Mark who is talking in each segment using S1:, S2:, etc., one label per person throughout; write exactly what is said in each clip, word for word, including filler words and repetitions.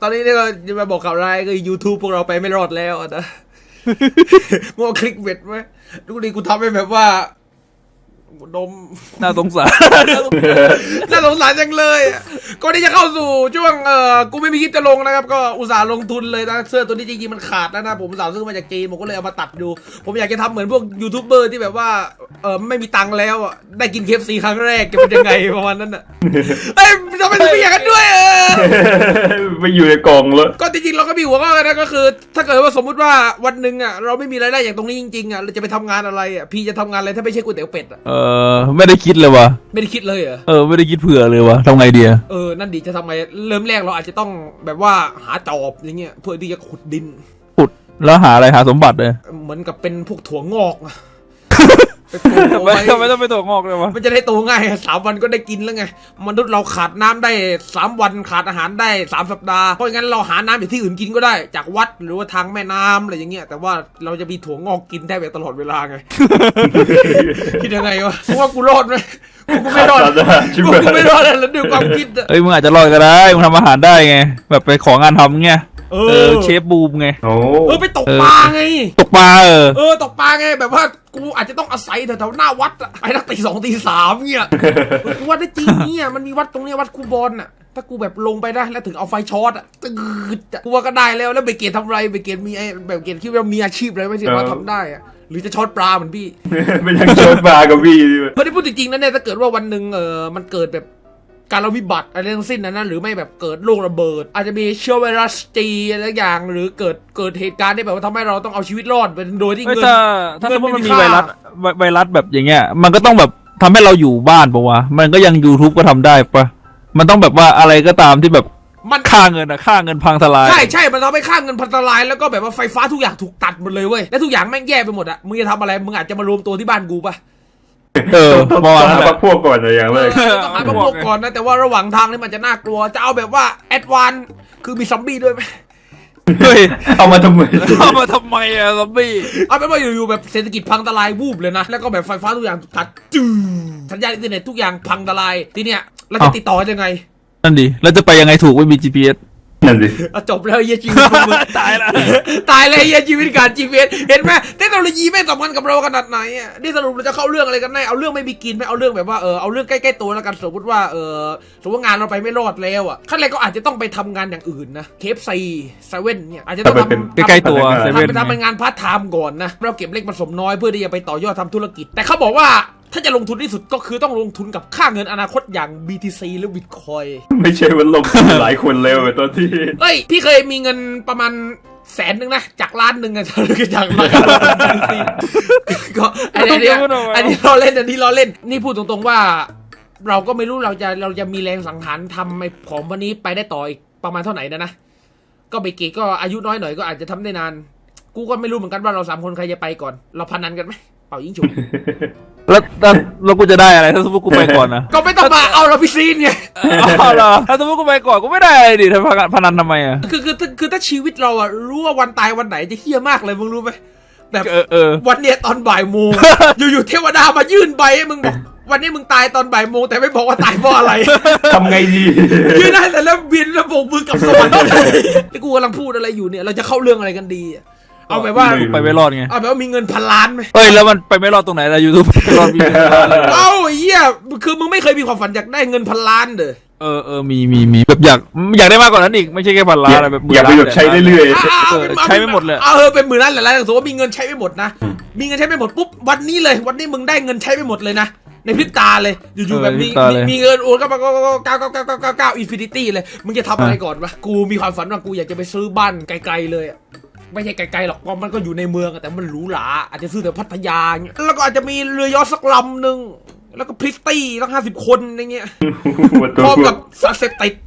S1: ตอนนี้เนี่ยก็จะมาบอกข่าวร้ายคือ YouTube พวกเราไปไม่รอดแล้วนะมึงเอาคลิกเบ็ดไหมดูดิกูทำให้แบบว่าดม
S2: น่าสงสาร
S1: น่าสงสารจังเลยก่อนที่จะเข้าสู่ช่วงเออกูไม่มีคลิปจะลงนะครับก็อุตส่าห์ลงทุนเลยนะเสื้อตัวนี้จริงๆมันขาดแล้วนะผมอุตส่าห์ซื้อมาจากจีนผมก็เลยเอามาตัดดูผมอยากจะทำเหมือนพวกยูทูบเบอร์ที่แบบว่าเออไม่มีตังค์แล้วอ่ะได้กิน เค เอฟ ซี ครั้งแรกจะเป็นยังไงประมาณนั้นอ่ะเอ้ยทำไมถึงไม่อยากกันด้วยเออ
S3: ไม่อยู่ในกล่องเลย
S1: ก็จริงๆเราก็มีหัวข้อกันนะก็คือถ้าเกิดว่าสมมุติว่าวันหนึ่งอ่ะเราไม่มีรายได้อย่างตรงนี้จริงๆอ่ะเราจะไปทำงานอะไรอ่ะพี่จะทำงานอะไรถ้าไม่ใช่ก๋วยเตี๋ยวเป็ดอ่ะ
S2: เออไม่ได้คิดเลยวะ
S1: ไม่ได้คิดเลยเหรอ
S2: เออไม่ได้คิดเผื่อเลยวะทำไงดี
S1: เออนั่นดีจะทำไงเริ่มแรกเราอาจจะต้องแบบว่าหาจอบอย่างเงี้ยเพื่อที่จะขุดดิน
S2: ขุดแล้วหาอะไรหาสมบัติเลย
S1: เหมือนกับเป็นพวกถั่วงอก
S2: ทำไมทำไมต้องไปถั่วงอกเลยวะ
S1: มันจะได้โตง่ายสามวันก็ได้กินแล้วไงมนุษย์เราขาดน้ำได้สามวันขาดอาหารได้สามสัปดาห์เพราะงั้นเราหาน้ำจากที่อื่นกินก็ได้จากวัดหรือว่าทางแม่น้ำอะไรอย่างเงี้ยแต่ว่าเราจะมีถั่วงอกกินได้แบบตลอดเวลาไงคิดยังไงวะว่ากูรอดไหมกูไม่รอดกูไม่รอดแล้วดูความคิด
S2: เอ้ยมึงอาจจะรอดก็ได้มึงทำอาหารได้ไงแบบไปของานทำเงี้ยเออเชฟบูมไง
S1: เออไปตกปลาไง
S2: ตกปลาเออ
S1: เออตกปลาไงแบบว่ากูอาจจะต้องอาศัยแถวๆหน้าวัดอะไปนักตีสองตีสามเงี้ยกูว่าได้จริงเนี่ยมันมีวัดตรงนี้วัดคูบอลอะถ้ากูแบบลงไปได้แล้วถึงเอาไฟช็อตอะตืดกูว่าก็ได้แล้วแล้วเบเกตทำไรเบเกตมีไอ้แบบเกตคิดว่ามีอาชีพอะไรไม่ใช่ว่าทำได้อะหรือจะช็อตปลาเหมือนพี่
S3: ไม่ยังช็อตปลากับพี่
S1: เพราะที่พูดจริงๆนะเนี่ยถ้าเกิดว่าวันหนึ่งเออมันเกิดแบบการวิบัติอะไรทั้งสิ้นนะนะหรือไม่แบบเกิดโรคระเบิดอาจจะมีเชื้อไวรัสจีอะไรอย่างหรือเกิดเกิดเหตุการณ์ที่แบบว่าทำให้เราต้องเอาชีวิตรอดเป็นโดยที่เงิน
S2: ถ้าถ้าสมมติมันมีไวรัสไวรัสแบบอย่างเงี้ยมันก็ต้องแบบทำให้เราอยู่บ้านปะวะมันก็ยัง YouTube ก็ทำได้ปะมันต้องแบบว่าอะไรก็ตามที่แบบ
S1: มัน
S2: ค่าเงินอะค่าเงินพังทลาย
S1: ใช่ใช่มันทำให้ค่าเงินพังทลายแล้วก็แบบว่าไฟฟ้าทุกอย่างถูกตัดหมดเลยเว้ยและทุกอย่างแม่งแย่ไปหมดอะมึงจะทำอะไรมึงอาจจะมารวมตัวที่บ้านกูปะ
S3: เออต้องหาพวกพวกก่อนอย่างแรก
S1: ต้องหาพวกก่อนนะแต่ว่าระหว่างทางนี่มันจะน่ากลัวจะเอาแบบว่าแอดวานคือมีซอมบี้ด้วยไหม
S2: เฮ้ย
S3: เอามาทำไม
S2: เอามาทำไมอะซอมบี้
S1: เอาเป็นว่าอยู่ๆแบบเศรษฐกิจพังทลายวูบเลยนะแล้วก็แบบไฟฟ้าทุกอย่างตัดจืดสัญญาณอินเทอร์เน็ตทุกอย่างพังทลายทีเนี้ยเราจะติดต่อยังไง
S2: นั่นดิเราจะไปยังไงถูกไม่มี จี พี เอส
S3: นั่นดิ
S1: จบแล้วเฮียชีวิตมึง
S2: ตายละ
S1: ตายเลยเฮียชีวิตการ จี พี เอส เห็นไหมเทคโนโลยีไม่สำคัญกับเราขนาดไหนอ่ะนี่สรุปเราจะเข้าเรื่องอะไรกันแน่เอาเรื่องไม่มีกินไม่เอาเรื่องแบบว่าเออเอาเรื่องใกล้ๆตัวแล้วกันสมมติว่าเออสมมติว่างานเราไปไม่รอดแล้วอ่ะขั้นแรกก็อาจจะต้องไปทำงานอย่างอื่นนะเคฟซีเซเว่นเนี่ยอาจจะต้องทำ
S2: ใกล้ๆตัวเซเว่น
S1: ทำเป็นงานพาร์ทไทม์ก่อนนะเราเก็บเล็กผสมน้อยเพื่อที่จะไปต่อยอดทำธุรกิจแต่เขาบอกว่าถ้าจะลงทุนที่สุดก็คือต้องลงทุนกับค่าเงินอนาคตอย่าง บี ที ซี หรือ Bitcoin
S3: ไม่ใช่ว่าลงทุนหลายคนเร็วไปตอนที่
S1: เฮ้ยพี่เคยมีเงินประมาณแสนหนึ่งนะจากล้านหนึ่งอะจากล้านก็อันนี้อันนี้เราเล่นอันนี้เราเล่นนี่พูดตรงๆว่าเราก็ไม่รู้เราจะเราจะมีแรงสังหารทำไอ้ของวันนี้ไปได้ต่ออีกประมาณเท่าไหร่นะนะก็เบเกก็อายุน้อยหน่อยก็อาจจะทำได้นานกูก็ไม่รู้เหมือนกันว่าเราสามคนใครจะไปก่อนเราพนันกันไหมเป่ายิงฉุบ
S2: แล้วแล้วกูจะได้อะไรถ้าสมมติกูไปก่อนนะ
S1: ก็ไม่ต้องมาเอาเราพิซีนไง
S2: อ๋อเหรอถ้าสมมติกูไปก่อนกูไม่ได้อะไรดิทำพนันทำไมอ่ะ
S1: คือคือคือถ้าชีวิตเราอ่ะรู้ว่าวันตายวันไหนจะเฮี้ยมากเลยมึงรู้ไหมแบบวันเนี้ยตอนบ่ายโมงอยู่ๆเทวดามายื่นใบให้มึงบอกวันนี้มึงตายตอนบ่ายโมงแต่ไม่บอกว่าตายเพราะอะไร
S3: ทำไงดี
S1: ยื่นได้แต่แล้วบินแล้วโบกมือกับสวรรค์ที่กูกำลังพูดอะไรอยู่เนี่ยเราจะเข้าเรื่องอะไรกันดีเอาแบบว่า
S2: ไปไม่รอดไง
S1: เอาแบบว่ามีเงินพันล้านไหม
S2: เฮ้ยแล้วมันไปไม่รอดตรงไหนล่ะยูทูบไม่รอดมีเงินพันล้านเลย
S1: เอ้าเหี้ยคือมึงไม่เคยมีความฝันอยากได้เงินพันล้านเด้อ
S2: เออเออมีมีมีแบบอยากอยากได้มากกว่านั้นอีกไม่ใช่แค่พันล้านอะไรแบบ
S3: อยากไปแบบใช้เรื่อย
S2: ๆใช้ไม่หมดเลย
S1: เออเป็นหมื่นล้านหลายล้านสมมติว่ามีเงินใช้ไม่หมดนะมีเงินใช้ไม่หมดปุ๊บวันนี้เลยวันนี้มึงได้เงินใช้ไม่หมดเลยนะในพริบตาเลยอยู่ๆแบบมีมีเงินโอนก็มาก็เก้าเก้าเก้าเก้าเก้าเก้าอินฟินิตี้เลยมึงจะทำอะไรก่อนวะกูมีความฝันว่ากูอยากจะไปซื้อบ้านไกลๆเลยไม่ใช่ไกลๆหรอกเพราะมันก็อยู่ในเมืองแต่มันหรูหราอาจจะซื้อแต่พัทยาเงี้ยแล้วก็อาจจะมีเรือยอชต์สักลำหนึ่งแล้วก็พริตตี้ตั้งห้าสิบคนอย่างเงี้ยพร้อมกับสารเสพติด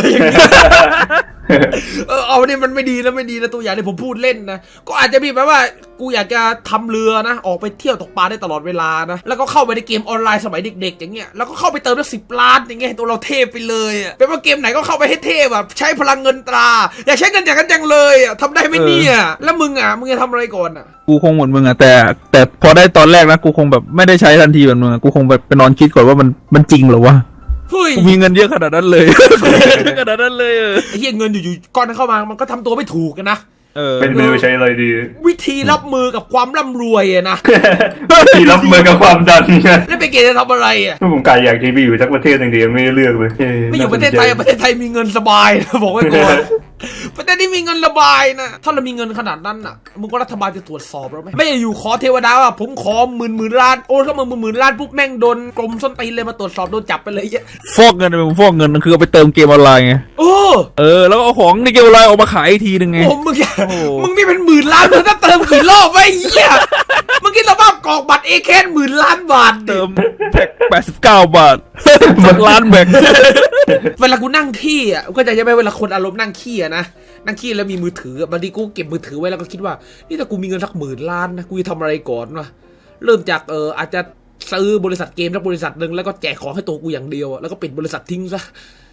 S1: เออเอาเนี่ยมันไม่ดีนะไม่ดีนะตัวอย่างที่ผมพูดเล่นนะก็อาจจะมีแบบว่ากูอยากจะทำเรือนะออกไปเที่ยวตกปลาได้ตลอดเวลานะแล้วก็เข้าไปในเกมออนไลน์สมัยเด็กๆอย่างเงี้ยแล้วก็เข้าไปเติมได้สิบล้านอย่างเงี้ยตัวเราเทพไปเลยอ่ะเป็นว่าเกมไหนก็เข้าไปให้เทพแบบใช้พลังเงินตราอยากใช้เงินอย่างนั้นจังเลยอ่ะทำได้ไหมเนี่ยแล้วมึงอ่ะมึงจะทำอะไรก่อนอ่ะ
S2: กูคงเหมือนมึงอ่ะแต่แต่พอได้ตอนแรกนะกูคงแบบไม่ได้ใช้ทันทีเหมือนมึงกูคงแบบไปนอนคิดก่อนว่ามันมันจริงหรอวะ
S1: เฮ้ย
S2: กูมีเงินเยอะขนาดนั้นเลย ขนาดนั้นเลยเออ
S1: ไอ้เหี้ยเงินอยู่ๆก้อนนั้นเข้ามามันก็ทำตัวไม่ถูกกันนะ
S2: เออ
S3: เป็นไม่รู้ใช้อะไรดี
S1: วิธีรับมือกับความร่ำรวยอะนะ
S3: ที่รับมือกับความดัน
S1: แล้วไปเกณฑ์จะทำอะไรอะ
S3: ผมกายอยากที่ไปอยู่สักประเทศหนึ่งดีไม่ได้เลือกเลย
S1: ไม่อยู่ประเทศไทยอะประเทศไทยมีเงินสบายนะบอกไว้ก่อน ประเทศที่มีเงินระบายนะถ้าเรามีเงินขนาดนั้นน่ะมึงก็รัฐบาลจะตรวจสอบเราไหมไม่อยู่ขอเทวดาว่าผมขอหมื่นหมื่นล้านโอนเข้ามาหมื่นหมื่นล้านปุ๊บแม่งโดนกรมส้นตีนเลยมาตรวจสอบโดนจับไปเลยเยอะ
S2: ฟอกเงินเป็นฟอกเงินคือเอาไปเติมเกมออนไลน์ไง
S1: โอ้
S2: เออแล้วก็เอาของในเกมออนไลน์ออกมาขายอีกทีนึงไง
S1: โหมึงอย่า
S2: โอ้
S1: มึงนี่เป็นหมื่นล้านมึงจะเติมกี่รอบไอ้เหี้ยมึงคิดสภาพกรอกบัตรเอแคนหมื่นล้านบาทดิ
S2: เติมแพ็คแปดสิบเก้าบาทหมดล้านแบก
S1: เวลากูนั่งขี้อ่ะก็จะยังไม่เวลาคนอารมณ์นั่งขี้อ่ะนะนั่งขี้แล้วมีมือถือบางทีกูเก็บมือถือไว้แล้วก็คิดว่านี่ถ้ากูมีเงินสักหมื่นล้านนะกูจะทำอะไรก่อนวะเริ่มจากเอออาจจะซื้อบริษัทเกมสักบริษัทหนึ่งแล้วก็แจกของให้ตัวกูอย่างเดียวอะแล้วก็ปิดบริษัททิ้งซะ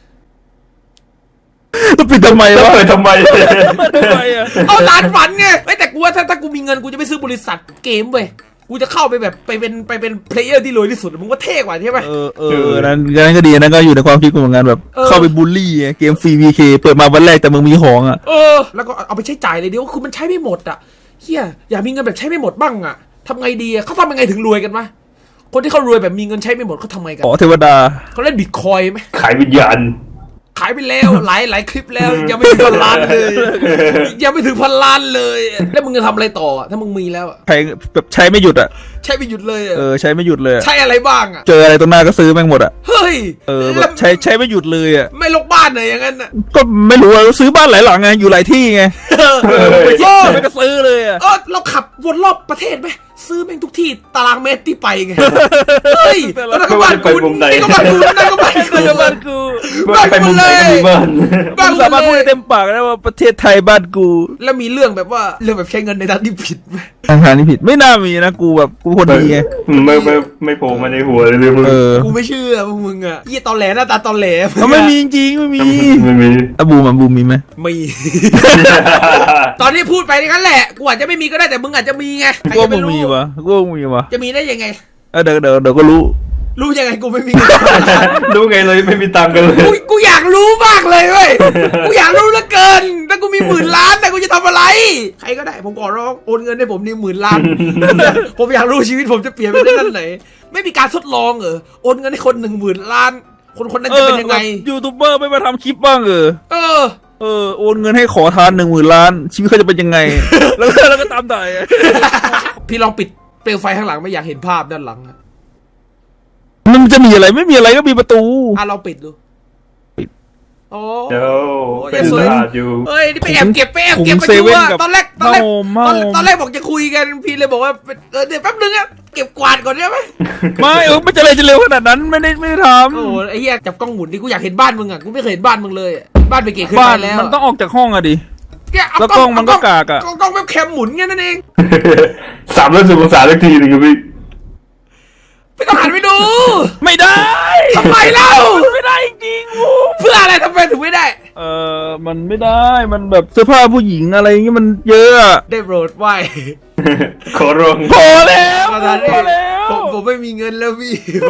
S2: ต้องปิดทำไม
S3: แล้ว
S2: วะ
S3: เปิดทำไม
S2: ทำไมอ่ะ
S1: เอาล้านฝันไงเอ้ยแต่กูว่าถ้าถ้ากูมีเงินกูจะไม่ซื้อบริษัทเกมเว้ยกูจะเข้าไปแบบไปเป็นไปเป็นเพลเยอร์ที่รวยที่สุดมึงว่าเท่กว่าใช่ไหม
S2: เออเออนั้นนั้นก็ดีนั้นก็อยู่ในความคิดกูเหมือนกันแบบ
S1: เออ
S2: เข้าไปบูลลี่ไงเกมฟรีวีเคเปิดมาวันแรกแต่มึงมีของอ่ะ
S1: เออแล้วก็เอาไปใช้จ่ายเลยเดียวคือมันใช้ไม่หมดอ่ะเฮียอยากมีเงินแบบใช้ไม่หมดบ้างอ่ะทำไงดีอะเขาทำยังไงถึงรวยกันวะคนที่เขารวยแบบมีเงินใช้ไม่หมดเขาทำไงกัน
S2: ขอเทวดา
S1: เขาเล่นบิตคอยไหม
S3: ขายวิญญาณ
S1: ขายไปแล้วหลายหลายคลิปแล้วยังไม่ถึงพันล้านเลยยังไม่ถึงพันล้านเลยแล้วมึงจะทำอะไรต่ออะถ้ามึงมีแล้วอะ
S2: ใช้แบบใช้ไม่หยุดอ่ะ
S1: ใช้ไปหยุดเลยอะ
S2: เออใช้ไม่หยุดเลยอะ
S1: ใช้อะไรบ้างอะ
S2: เจออะไรตรงหน้าก็ซื้อแม่งหมดอ่ะ
S1: เฮ้ย
S2: เออแบ
S1: แล้ว
S2: บใช้ใช้ไม่หยุดเลยอ่ะ
S1: ไม่ลกบ้านเลยอย่างนั้นอะ
S2: ก็ไม่รู้ว่าซื้อบ้านหลายหลังไงอยู่หลายที่ไง
S1: เออ
S2: เออไปเที่ยว
S1: เออ
S2: ไม่ก็ซื้อเลยอ่ะ
S1: เออเราขับวนรอบประเทศไหมซื้อแม่งทุกที่ตารางเมตรที่ไปไงเฮ้ยแล้วนั่นก็บ้านกูนี่ก็บ้านกูนั่นก็บ้านกู
S2: เออบ้านกู
S1: บ้าน
S3: ไป
S1: กู
S3: มุมไห
S1: เล
S3: น
S1: ย
S3: ก็มีบ้าน
S1: บ้าน
S2: กู
S1: กู
S2: สามารถพูด
S1: เล
S2: ได้
S1: ย
S2: เต็มปากได้ว่าประเทศไทยบ้านกู
S1: แล้วมีเรื่องแบบว่าเรื่องแบบใช้เงินในทางที่ผิดไหม
S2: ทางทางนี้ผิดไม่น่ามีนะกูแบบกูคนดีไง
S3: ไม่ไม่ไม่โผล่มาในหัวเลยเลยมึง
S2: เออ
S1: กูไม่เชื่อพวกมึงอ่ะยี่ตอนแหลหน้าตาตอนแหล
S2: มันไม่มีจริงๆไม่มี
S3: ไม่มี
S2: อะบูมอะบูมมีไหม
S1: มี ตอนนี้พูดไปงั้นแหละ กูอาจจะไม่มีก็ได้แต่มึงอาจจะมีไงใคร
S2: กู
S1: จะ
S2: ว่า
S1: ไป
S2: มึง
S1: รู้
S2: มีวะกูว่ามึงมีวะ
S1: จะมีได้ยังไง
S2: เออเดี๋ยวเดี๋ยวเดี๋ยวก็รู้
S1: รู้ยังไงกูไม่มีเงิน
S3: รู้ไงเลยไม่มีตังค์กันเลย
S1: กูกูอยากรู้มากเลยเว้ย กูอยากรู้เหลือเกิน ถ้ากูมีหมื่นล้านแต่กูจะทำอะไร ใครก็ได้ผมขอร้องโอนเงินให้ผมนี่หมื่นล้าน ผมอยากรู้ชีวิตผมจะเปลี่ยนไปได้ด้านไหน ไม่มีการทดลองเหรอโอนเงินให้คนหนึ่งหมื่นล้าน คนคนนั้นจะเป็นยังไง
S2: แบบยูทูบเบอร์ไม่มาทำคลิปบ้างเออ
S1: เออ
S2: เออโอนเงินให้ขอทานหนึ่งหมื่นล้าน ชีวิตเขาจะเป็นยังไง แล้วก็แล้วก็ตามได้อะ
S1: พี่ลองปิดเปลวไฟข้างหลังไม่อยากเห็นภาพด้านหลังอะ
S2: มันจะมีอะไรไม่มีอะไรก็มีประตู
S1: อ่ะเราปิดดู
S2: ปิด
S1: โอ้
S3: เดี๋ยว
S1: โอ้ย
S3: เป็น
S1: สวย
S3: สะอาดอยู่
S1: เอ้ยนี่ไปแอบเก็บไปแอบเก็บ
S2: ถุ
S1: ไป
S2: งเซ
S1: ดู
S2: เว่น
S1: ว่า
S2: กับ
S1: ตอนแรกตอนแรก
S2: ผ้าห่ม
S1: ตอน
S2: ผ้าห่ม
S1: ตอนแรกบอกจะคุยกันพี่เลยบอกว่าเออเดี๋ยวแป๊บนึงอะเก็บกวาดก่อนได้ไหม
S2: ไม่เออไม่จะอะไรจะเร็วขนาดนั้นไม่ได้ไม่ได้ท
S1: โอ้โหไอ้เหี้ยจับกล้องหมุนดิกูอยากเห็นบ้านมึงอะกูไม่เคยเห็นบ้านมึงเลยอะบ้านไปเก๋ขึ้
S2: ำ
S1: น
S2: บ้า
S1: ไป
S2: น
S1: แล้ว
S2: มันต้องออกจากห้องอะดิ
S1: เนี่ยเอา
S2: แล้วกล้องมันก็กากอะ
S1: กล้องกล้องเว็บแคมหมุนแค่นั้นเอง
S3: สามร้อยสิบองศาสักทีหนึ่งครับพี่
S1: ไม่ต้องหันไปดู
S2: ไม่ได้
S1: ทำไมเล่า
S2: ไม่ได้จริงๆวู
S1: เพื่ออะไรทำไมถึงไม่ได้
S2: เออมันไม่ได้มันแบบเสื้อผ้าผู้หญิงอะไรอย่างงี้มันเยอะอะ
S1: ได้โปรดไหว
S3: ขอร้อง
S2: พอแล้ว
S1: ประธานเอ
S2: พอง แล้ว
S1: ผมผมไม่มีเงินแล้วพี่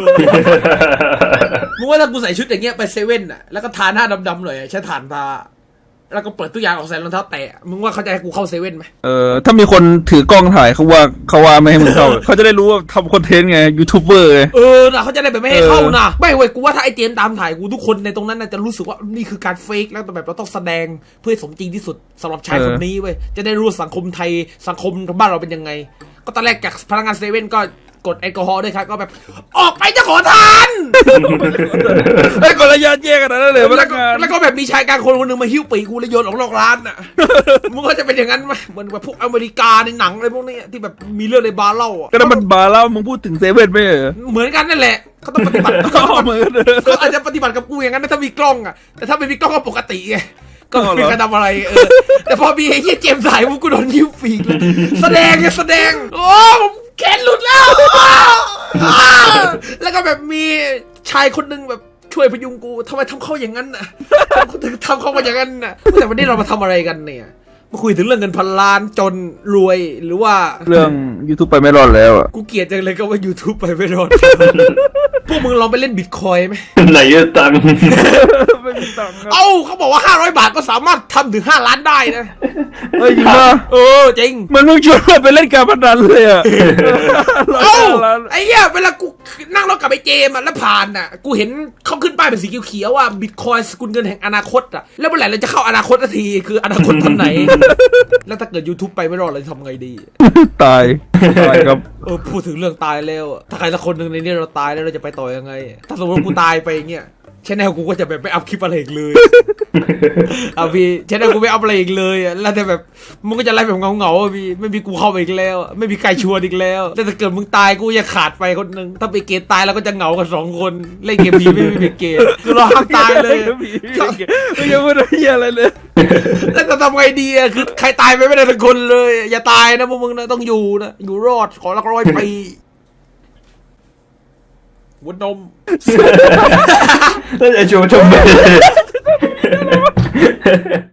S1: มึงว่าถ้ากูใส่ชุดอย่างเงี้ยไปเซเว่นอะแล้วก็ทาหน้าดำๆหน่อยอะใช้ถ่านทาแล้วก็เปิดตู้ยางออกใส่รองเท้าแตะมึงว่าเขาจะให้กูเข้าเซเว่นไหม
S2: เออถ้ามีคนถือกล้องถ่ายเขาว่าเขาว่าไม่ให้มึงเข้า เขาจะได้รู้ว่าทำคอนเทนต์ไงยูทูบเบอร์ไง
S1: เออนะเขาจะได้แบบไม่ให้เข้านะไม่เว้ยกูว่าถ้าไอ้เจมส์ตามถ่ายกูทุกคนในตรงนั้นน่ะจะรู้สึกว่านี่คือการเฟกแล้วแต่แบบเราต้องแสดงเพื่อให้สมจริงที่สุดสำหรับชายคนนี้เว้ยจะได้รู้ว่าสังคมไทยสังคมบ้านเราเป็นยังไง ก็ตอนแรกจากพนักงานเซเว่นก็กดแอลกอฮอล์ด้วยครับก็แบบออกไปจะขอทาน
S2: ไอ้ยคนละยานแยกกันนะเลยพ
S1: แล้
S2: นั
S1: ว
S2: ก
S1: ก็
S2: งาน
S1: แล้วก็แบบมีชายกลางคนคนหนึ่งมาหิ้วปีกกูแล้วโยนออกนอกร้านน่ะ มึงก็จะเป็นอย่างนั้นไหมเหมือนแบบพวกอเมริกาในหนังอะไรพวกนี้ที่แบบมีเรื่องในบาร์เหล้าอ่ะ
S2: ก็นั่นมันบาร์แล้วมึงพูดถึงเซเว่นไม่เหรอ
S1: เหมือนกันนั่นแหละเขาต้องปฏิบัติ
S2: ก็เหมือน
S1: เขาอาจจะปฏิบัติกับกูอย่างนั้นนะถ้ามีกล้องอ่ะแต่ถ้าไม่มีกล้องก็ปกติไงก็
S2: อ๋อเหรอ
S1: ไม่กระทำอะไรเออแต่พอมีไอ้เหี้ยเจมส์สายพวกกูโดนหิ้วปีกเลยแสดงไงแสดงโอ้ผมแขนหลุดแล้วอ้าวแล้วก็แบบมีชายคนหนึงแบบช่วยพยุงกูทำไมทำเขาอย่างนั้นน่ะทำทำเขามาอย่างนั้นน่ะแต่วันนี้เรามาทำอะไรกันเนี่ยมาคุยถึงเรื่องเงินพันล้านจนรวยหรือว่า
S2: เรื่อง YouTube ไปไม่รอดแล้วอ่ะ
S1: กูเกลียดจังเลยก็ว่า YouTube ไปไม่รอด พวกมึงลองไปเล่นบิตคอยไหม
S3: ไหนจะตังค์
S2: ไม่มีตังค์
S1: เอ้าเขาบอกว่าห้าร้อยบาทก็สามารถทำถึงห้าล้านได้นะ
S2: เฮ้ยจริงป่ะ
S1: เออจริง
S2: มันมึงชวนเราไปเล่นการพนันเลยอ่ะ
S1: เอ้าไอ้เหี้ยเวลากูนั่งรถกลับไปเจมอ่ะแล้วผ่านอ่ะกูเห็นเขาขึ้นป้ายเป็นสีเขียวๆว่าบิตคอยสกุลเงินแห่งอนาคตอ่ะแล้วเมื่อไหร่เราจะเข้าอนาคตสักทีคืออนาคตตอนไหน แล้วถ้าเกิด YouTube ไปไม่รอดเราจะทำไงดี
S2: ตายตายครับ
S1: เออพูดถึงเรื่องตายแล้วอะถ้าใครสักคนหนึ่งในนี้เราตายแล้วเราจะไปต่อยังไง ถ้าสมมติว่ากูตายไปอย่างเงี้ยชแนลกูก็จะแบบไม่อัพคลิปอะไรอีกเลย เอาพี่ชแนลกูไม่อัพอะไรอีกเลยอะแล้วแต่แบบมึงก็จะไล่แบบเงาๆอะพี่ไม่มีกูเข้าไปอีกแล้วอะไม่มีใครชวนอีกแล้วแต่ถ้าเกิดมึงตายกูจะขาดไปคนหนึ่งถ้าไปเกตตายเราก็จะเหงากันสองคนเล่นเกมพีไม่มีเกตคือเราห้ามตายเลย
S2: ไม่ยังไม่ได้เหี้ยอะไรเลย
S1: แล้วจะทำไงดีอะคือใครตายไปไม่ได้สักคนเลย อย่าตายนะพวกมึงนะต้องอยู่นะอยู่รอดขอละร้อยปีวุ้นนม
S3: แล้วจะชมชมไป